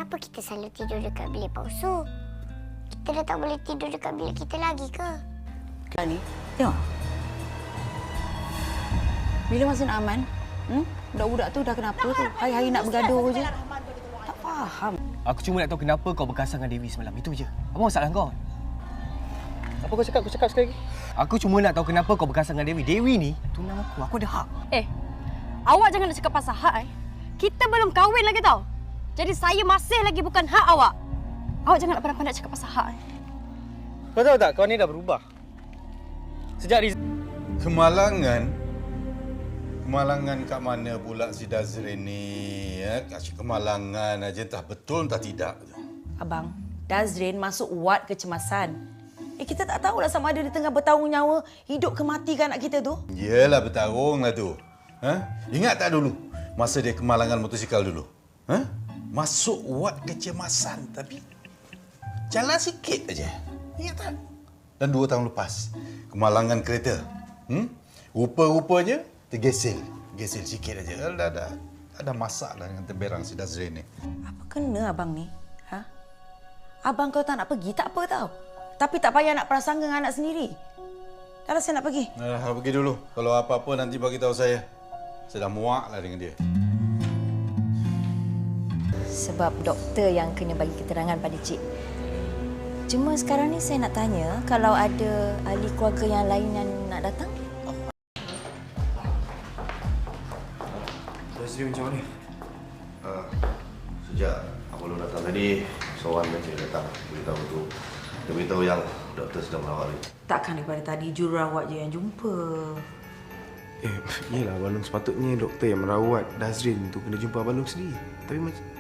kenapa kita selalu tidur dekat bilik palsu? Kita dah tak boleh tidur dekat bilik kita lagi ke? Ni, tengok. Bila masa nak aman? Budak-budak tu dah kenapa tu? Hari-hari nak bergaduh je. Tak faham. Aku cuma nak tahu kenapa kau berkasar dengan Dewi semalam. Itu je. Apa masalah kau? Apa kau cakap? Kau cakap sekali lagi. Aku cuma nak tahu kenapa kau berkasar dengan Dewi. Dewi ni tunang aku. Aku ada hak. Awak jangan nak cakap pasal hak. Kita belum kahwin lagi tau. Jadi saya masih lagi bukan hak awak. Awak jangan nak pandai-pandai cakap pasal hak. Kau tahu tak, kau ni dah berubah. Sejak Kemalangan kat mana pula si Dazrin ni? Kasih kemalangan aja, entah betul entah tidak. Abang, Dazrin masuk ward kecemasan. Kita tak tahulah sama ada dia tengah bertarung nyawa, hidup ke mati kan anak kita tu. Yelah, bertarung lah tu. Ingat tak dulu masa dia kemalangan motosikal dulu? Masuk ward kecemasan tapi jalan sikit aja. Ingat tak? Dan 2 tahun lepas, kemalangan kereta. Rupa-rupanya tergesel. Gesel sikit aja. Ada masalah dengan temberang si Dazrin ni. Apa kena abang ni? Abang kau tak nak pergi, tak apa tau. Tapi tak payah nak prasangka dengan anak sendiri. Dah lah saya nak pergi. Pergi dulu. Kalau apa-apa nanti bagi tahu saya. Saya dah muak lah dengan dia. Sebab doktor yang kena bagi keterangan pada cik. Cuma sekarang ni saya nak tanya, kalau ada ahli keluarga yang lain yang nak datang? Dazrin macam mana? Sejak Apollo datang tadi, seorang saja datang beritahu tu. Dia beritahu yang doktor sedang merawat dia. Takkan daripada tadi jururawat je yang jumpa. Yelah, Abang Long sepatutnya doktor yang merawat Dazrin tu kena jumpa Abang Long sendiri. Tapi